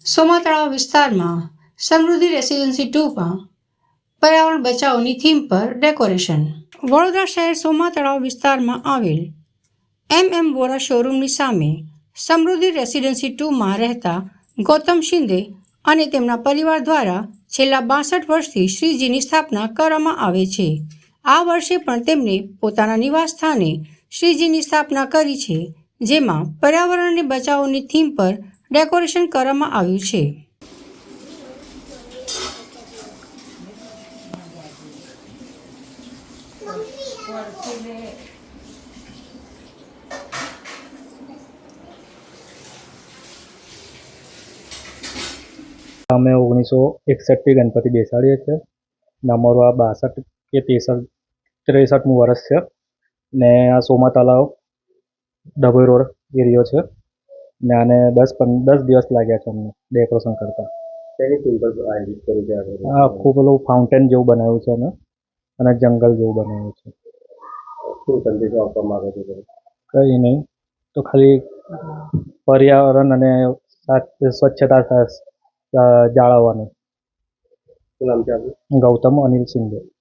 સોમા તળાવ વિસ્તારમાં સમૃદ્ધિ રેસિડેન્સી 2માં પર્યાવરણ બચાવની થીમ પર ડેકોરેશન. વડોદરા શહેર સોમા તળાવ વિસ્તારમાં આવેલ MM વોરા શોરૂમની સામે સમૃદ્ધિ રેસિડેન્સી 2માં રહેતા ગૌતમ શિંદે અને તેમના પરિવાર દ્વારા છેલ્લા 62 વર્ષથી શ્રીજીની સ્થાપના કરવામાં આવે છે. આ વર્ષે પણ તેમણે પોતાના નિવાસ સ્થાને શ્રીજીની સ્થાપના કરી છે, જેમાં પર્યાવરણને બચાવોની થીમ પર ડેકોરેશન કરવામાં આવ્યું છે. અમે 1961 ગણપતિ બેસાડીએ છીએ ને અમારું આ 62 કે 63મું વર્ષ છે ને આ સોમા તળાવ ડભોઈ રોડ એરિયો છે ને આને 10 દિવસ લાગ્યા છે અમને ડેકોરેશન કરતા. આખું પેલું ફાઉન્ટેન જેવું બનાવ્યું છે અમે અને જંગલ જેવું બનાવ્યું છે. શું સંદેશો આપવામાં આવે છે? કંઈ નહીં, તો ખાલી પર્યાવરણ અને સ્વચ્છતા જાળવવાનું. શું નામ છે આપનું? ગૌતમ અનિલ શિંદે.